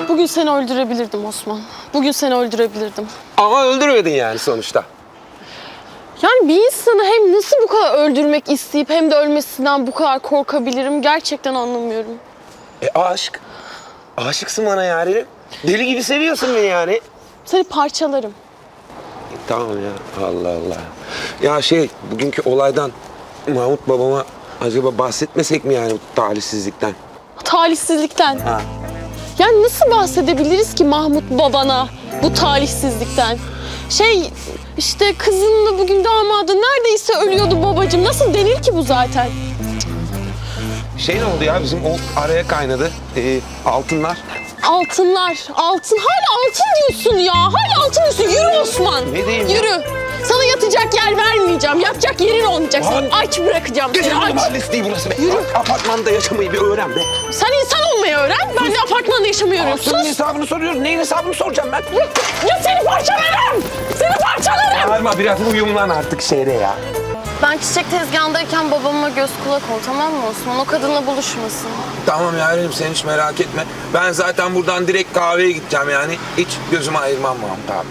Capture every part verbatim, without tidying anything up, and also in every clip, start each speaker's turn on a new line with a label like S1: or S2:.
S1: Bugün seni öldürebilirdim Osman. Bugün seni öldürebilirdim.
S2: Ama öldürmedin yani sonuçta.
S1: Yani bir insanı hem nasıl bu kadar öldürmek isteyip hem de ölmesinden bu kadar korkabilirim gerçekten anlamıyorum.
S2: E aşk. Aşıksın bana yani. Deli gibi seviyorsun beni yani.
S1: Seni parçalarım.
S2: E, tamam ya. Allah Allah. Ya şey, bugünkü olaydan Mahmut babama acaba bahsetmesek mi yani bu talihsizlikten?
S1: Talihsizlikten.
S2: Ha.
S1: Yani nasıl bahsedebiliriz ki Mahmut babana bu talihsizlikten? Şey işte kızınla bugün damadı neredeyse ölüyordu babacığım. Nasıl denir ki bu zaten?
S2: Şey ne oldu ya, bizim o araya kaynadı. Ee, altınlar.
S1: Altınlar, altın. Hala altın diyorsun ya. Hala altın diyorsun. Yürü Osman.
S2: Ne diyeyim ya?
S1: Yürü. Sana yatacak yer vermeyeceğim. Yatacak yerin olmayacak. Seni aç bırakacağım seni.
S2: Gecenin
S1: Aç.
S2: mahallesi değil burası be.
S1: Yürü.
S2: Apartmanda yaşamayı bir öğren be.
S1: Sen insan olmayı öğren. Ben de apartmanda yaşamıyorum.
S2: Altının
S1: Sus.
S2: hesabını soruyoruz. Neyin hesabını soracağım ben?
S1: Ya, ya seni parçalarım. Seni parçalarım.
S2: Bağırma, biraz uyumlan artık şehre ya.
S1: Ben çiçek tezgahındayken babama göz kulak ol, tamam mı Osman? O kadınla buluşmasın.
S2: Tamam yarenim, sen hiç merak etme. Ben zaten buradan direkt kahveye gideceğim yani. Hiç gözümü ayırmam Mahmut abi.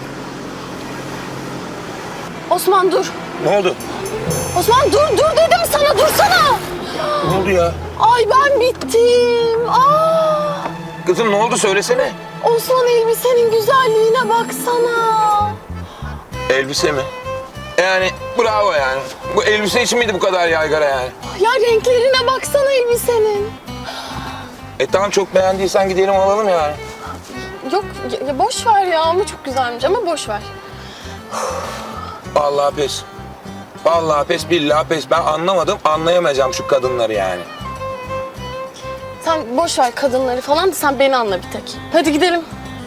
S1: Osman dur.
S2: Ne oldu?
S1: Osman dur, dur dedim sana, dursana.
S2: Ne oldu ya?
S1: Ay ben bittim. Aa!
S2: Kızım ne oldu, söylesene.
S1: Osman elbisenin güzelliğine baksana.
S2: Elbise mi? Yani bravo yani. Bu elbise için miydi bu kadar yaygara yani?
S1: Ya renklerine baksana elbisenin.
S2: E tamam, çok beğendiysen gidelim alalım yani.
S1: Yok ya, ya boş ver ya ama çok güzelmiş ama boş ver.
S2: Vallahi pes. Vallahi pes, billahi pes. Ben anlamadım, anlayamayacağım şu kadınları yani.
S1: Sen boş ver kadınları falan da sen beni anla bir tek. Hadi gidelim.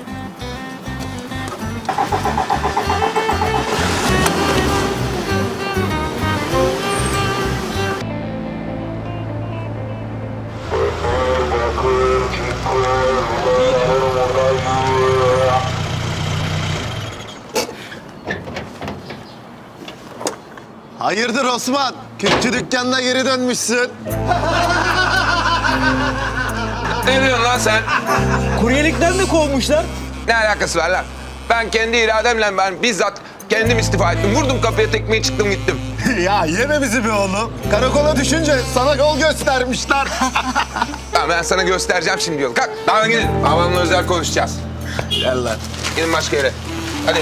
S3: Hayırdır Osman? Kütçü dükkanına geri dönmüşsün.
S2: Ne diyorsun lan sen?
S4: Kuryelikten de kovmuşlar.
S2: Ne alakası var lan? Ben kendi irademle ben bizzat kendim istifa ettim. Vurdum kapıya tekmeyi, çıktım gittim.
S3: Ya yeme bizi be oğlum. Karakola düşünce sana yol göstermişler.
S2: Tamam, ben sana göstereceğim şimdi yolu. Kalk, daha gidin. Babamla özel konuşacağız.
S3: Gel lan.
S2: Gidin başka yere. Hadi.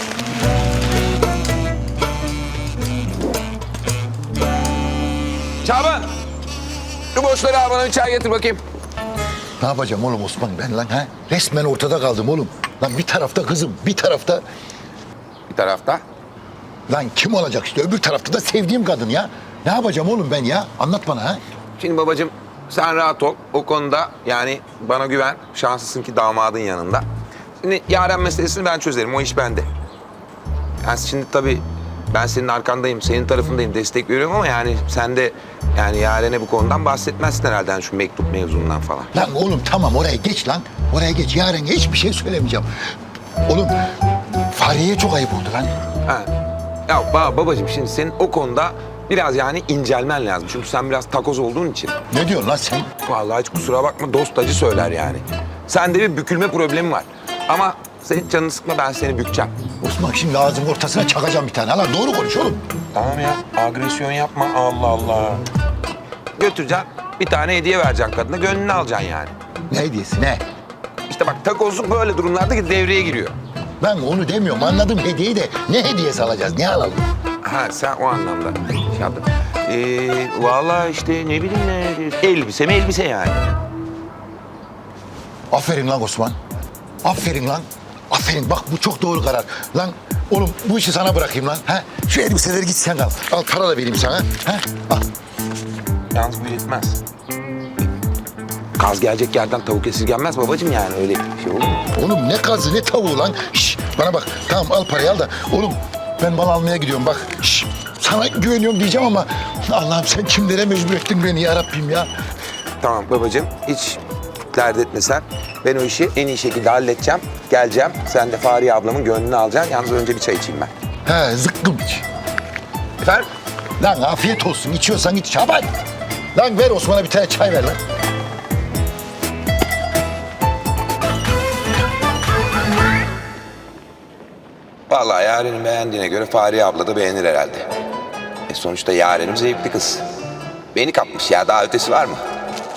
S2: Şaban! Şu boşları al, bana bir çay getir bakayım.
S5: Ne yapacağım oğlum Osman ben lan ha? Resmen ortada kaldım oğlum. Lan bir tarafta kızım, bir tarafta...
S2: Bir tarafta.
S5: Lan kim olacak işte, öbür tarafta da sevdiğim kadın ya. Ne yapacağım oğlum ben ya? Anlat bana ha.
S2: Şimdi babacığım sen rahat ol. O konuda yani bana güven. Şanslısın ki damadın yanında. Şimdi Yaren meselesini ben çözerim. O iş bende. Yani şimdi tabii ben senin arkandayım, senin tarafındayım, destek veriyorum ama yani sen de yani Yaren'e bu konudan bahsetmezsin herhalde, yani şu mektup mevzundan falan.
S5: Lan oğlum tamam, oraya geç lan. Oraya geç, yarın hiçbir şey söylemeyeceğim. Oğlum Fahriye'ye çok ayıp oldu lan.
S2: Ha. Ya ba- babacığım şimdi senin o konuda biraz yani incelmen lazım. Çünkü sen biraz takoz olduğun için.
S5: Ne diyorsun lan sen?
S2: Vallahi hiç kusura bakma, dost acı söyler yani. Sende bir bükülme problemi var. Ama senin canını sıkma, ben seni bükeceğim.
S5: Osman şimdi ağzının ortasına çakacağım bir tane. Lan doğru konuş oğlum.
S2: Tamam ya, agresyon yapma. Allah Allah. Götüreceksin, bir tane hediye vereceksin kadına, gönlünü alacaksın yani.
S5: Ne hediyesi ne?
S2: İşte bak, takozluk böyle durumlarda devreye giriyor.
S5: Ben onu demiyorum, anladım hediyeyi de. Ne hediyesi alacağız, ne alalım?
S2: Ha, sen o anlamda şey yaptın. Ee, vallahi işte ne bileyim ne, elbise mi elbise yani.
S5: Aferin lan Osman. Aferin lan. Aferin, bak bu çok doğru karar. Lan oğlum bu işi sana bırakayım lan. Ha? Şu elbiseleri git sen al. Al para da vereyim sana. Ha? Al.
S2: Yalnız bu yetmez. Kaz gelecek yerden tavuk esirgenmez babacığım, yani öyle şey olur mu?
S5: Oğlum ne kazı ne tavuğu lan. Şş, bana bak tamam al parayı al da. Oğlum ben mal almaya gidiyorum bak. Şş, sana güveniyorum diyeceğim ama Allah'ım sen kimlere mecbur ettin beni ya Rabbim ya.
S2: Tamam babacığım, hiç dert etme sen. Ben o işi en iyi şekilde halledeceğim. Geleceğim, sen de Fahriye ablamın gönlünü alacaksın. Yalnız önce bir çay içeyim ben.
S5: He zıkkım iç.
S2: Efendim?
S5: Lan afiyet olsun, içiyorsan iç Şaban. Lan ver Osman'a bir tane çay ver lan.
S2: Vallahi Yaren'in beğendiğine göre Fahriye abla da beğenir herhalde. E sonuçta Yaren'im zevkli kız. Beni kapmış ya, daha ötesi var mı?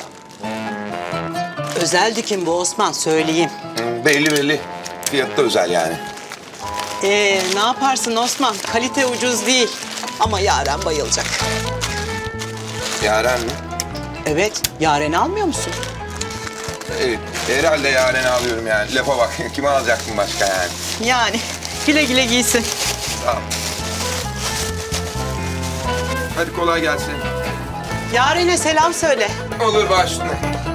S6: Özel dikim bu Osman, söyleyeyim.
S2: Hı, belli belli. Fiyatı da özel yani.
S6: Ee, ne yaparsın Osman? Kalite ucuz değil. Ama Yaren bayılacak.
S2: Yaren mi?
S6: Evet, Yaren'i almıyor musun?
S2: Evet, herhalde Yaren'i alıyorum yani. Lafa bak, kime alacaktım başka yani?
S6: Yani güle güle giysin.
S2: Sağ ol. Hadi kolay gelsin.
S6: Yaren'e selam söyle.
S2: Olur, baş üstüne.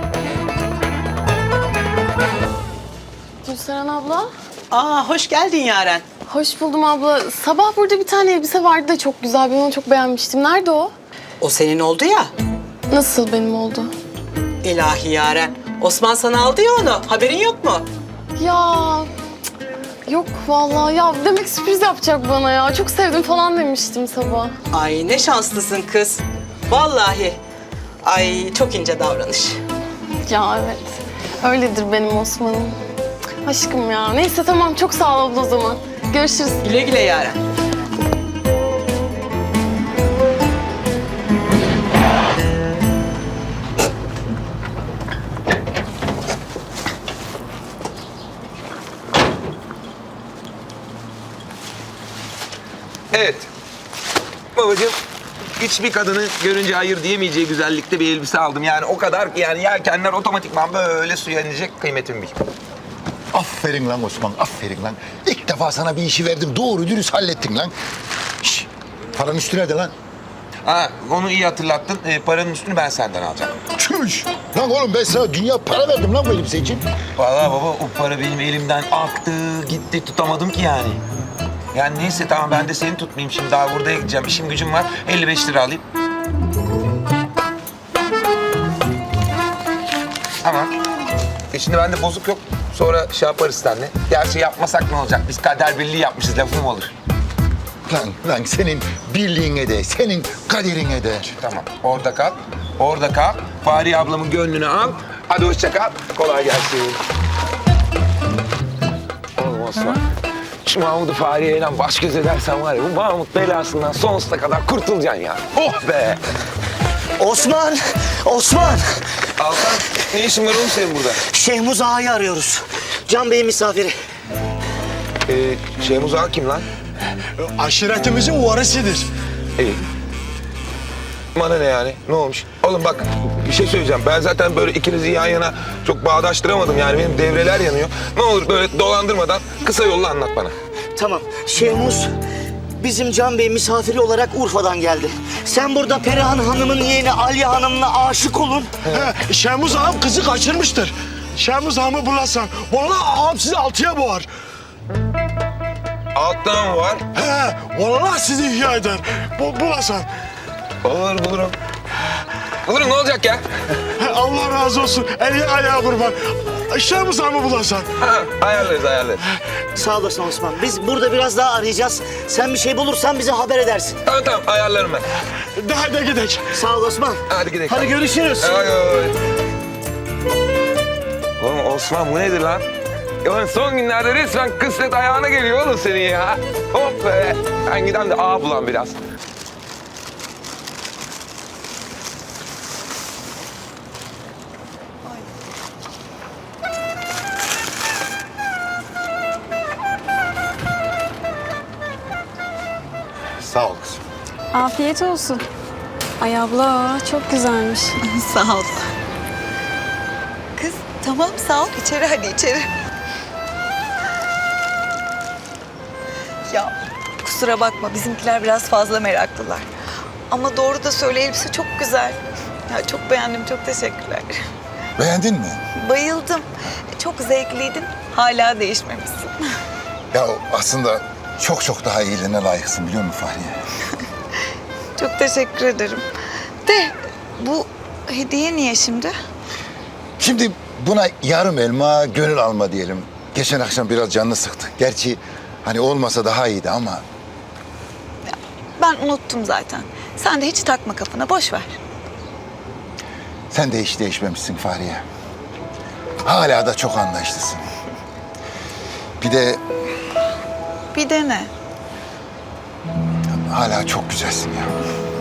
S1: Gülseren abla.
S6: Aa, hoş geldin Yaren.
S1: Hoş buldum abla. Sabah burada bir tane elbise vardı da çok güzel. Ben onu çok beğenmiştim. Nerede o?
S6: O senin oldu ya.
S1: Nasıl benim oldu?
S6: İlahi Yaren. Osman sana aldı ya onu. Haberin yok mu?
S1: Ya cık, yok vallahi ya demek sürpriz yapacak bana ya. Çok sevdim falan demiştim sabah.
S6: Ay ne şanslısın kız. Vallahi. Ay çok ince davranış.
S1: Ya evet. Öyledir benim Osman'ım. Aşkım ya. Neyse tamam çok sağ ol abla o zaman. Görüşürüz.
S6: Güle güle Yaren.
S2: Evet. Babacığım, hiçbir kadının görünce hayır diyemeyeceği güzellikte bir elbise aldım. Yani o kadar ki yani yelkenler otomatikman böyle suya inecek, kıymetimi bil.
S5: Aferin lan Osman, aferin lan. İlk defa sana bir işi verdim, doğru dürüst hallettin lan. Şş, paranın üstü nerede lan?
S2: Ha, onu iyi hatırlattın. Ee, paranın üstünü ben senden alacağım.
S5: Çüş! Lan oğlum ben sana dünya para verdim lan bu elbise için.
S2: Vallahi baba, o para benim elimden aktı, gitti, tutamadım ki yani. Yani neyse tamam, ben de seni tutmayayım şimdi. Daha burada gideceğim. İşim gücüm var. elli beş lira alayım. Tamam. E şimdi bende bozuk yok. Sonra şey yaparız seninle. Gerçi yapmasak ne olacak? Biz kader birliği yapmışız. Lafı mı olur?
S5: Lan, lan senin birliğine de, senin kaderine de.
S2: Tamam. Orada kal. Orada kal. Fahriye ablamın gönlünü al. Hadi hoşça kal. Kolay gelsin. Oğlum Osman. Şu Mahmut'u Fahriye'yle baş göz edersen var ya, bu Mahmut belasından sonsuza kadar kurtulacaksın ya. Oh be!
S7: Osman! Osman!
S2: Altan, ne işin var oğlum senin burada?
S7: Şehmuz Ağa'yı arıyoruz. Can Bey'in misafiri.
S2: Ee, Şehmuz Ağa kim lan?
S3: Aşiretimizin varisidir.
S2: İyi. Bana ne yani? Ne olmuş? Oğlum bak, bir şey söyleyeceğim. Ben zaten böyle ikinizi yan yana çok bağdaştıramadım. Yani benim devreler yanıyor. Ne olur böyle dolandırmadan kısa yolla anlat bana.
S7: Tamam. Şehmuz bizim Can Bey misafiri olarak Urfa'dan geldi. Sen burada Perihan Hanım'ın yeğeni Aliye Hanım'la aşık olun.
S3: He, Şemuz ağam kızı kaçırmıştır. Şemuz ağamı bulasan, vallahi ağam sizi altıya boğar.
S2: Alttan mı var?
S3: He, vallahi sizi ihya eder. Bu, bulasan.
S2: Olur, bulurum. Bulurum, ne olacak ya?
S3: He, Allah razı olsun. Eli ayağı kurban. Şemuz ağamı bulasan.
S2: Ha, ayarlarız, ayarlarız.
S7: Sağ olasın Osman. Biz burada biraz daha arayacağız. Sen bir şey bulursan bize haber edersin.
S2: Tamam tamam, ayarlarım ben.
S3: De hadi gidelim.
S7: Sağ ol Osman.
S2: Hadi gidelim.
S7: Hadi görüşürüz.
S2: Ay, ay. Oğlum Osman, bu nedir lan? Oğlum son günlerde resmen kısmet ayağına geliyor oğlum senin ya. Hop be. Ben giden de ağa bulan biraz.
S5: Sağ ol kızım.
S8: Afiyet olsun. Ay abla çok güzelmiş.
S9: Sağ ol. Kız tamam sağ ol. İçeri hadi içeri. Ya kusura bakma bizimkiler biraz fazla meraklılar. Ama doğru da söyle elbise çok güzel. Ya çok beğendim çok teşekkürler.
S5: Beğendin mi?
S9: Bayıldım. Çok zevkliydin. Hala değişmemişsin.
S5: Ya aslında çok çok daha iyilerine layıksın biliyor musun Fahriye?
S9: Çok teşekkür ederim. De bu hediye niye şimdi?
S5: Şimdi buna yarım elma, gönül alma diyelim. Geçen akşam biraz canını sıktı. Gerçi hani olmasa daha iyiydi ama...
S9: Ben unuttum zaten. Sen de hiç takma kafana boş ver.
S5: Sen de hiç değişmemişsin Fahriye. Hala da çok anlayışlısın. Bir de
S9: Bir dene.
S5: Hala çok güzelsin ya.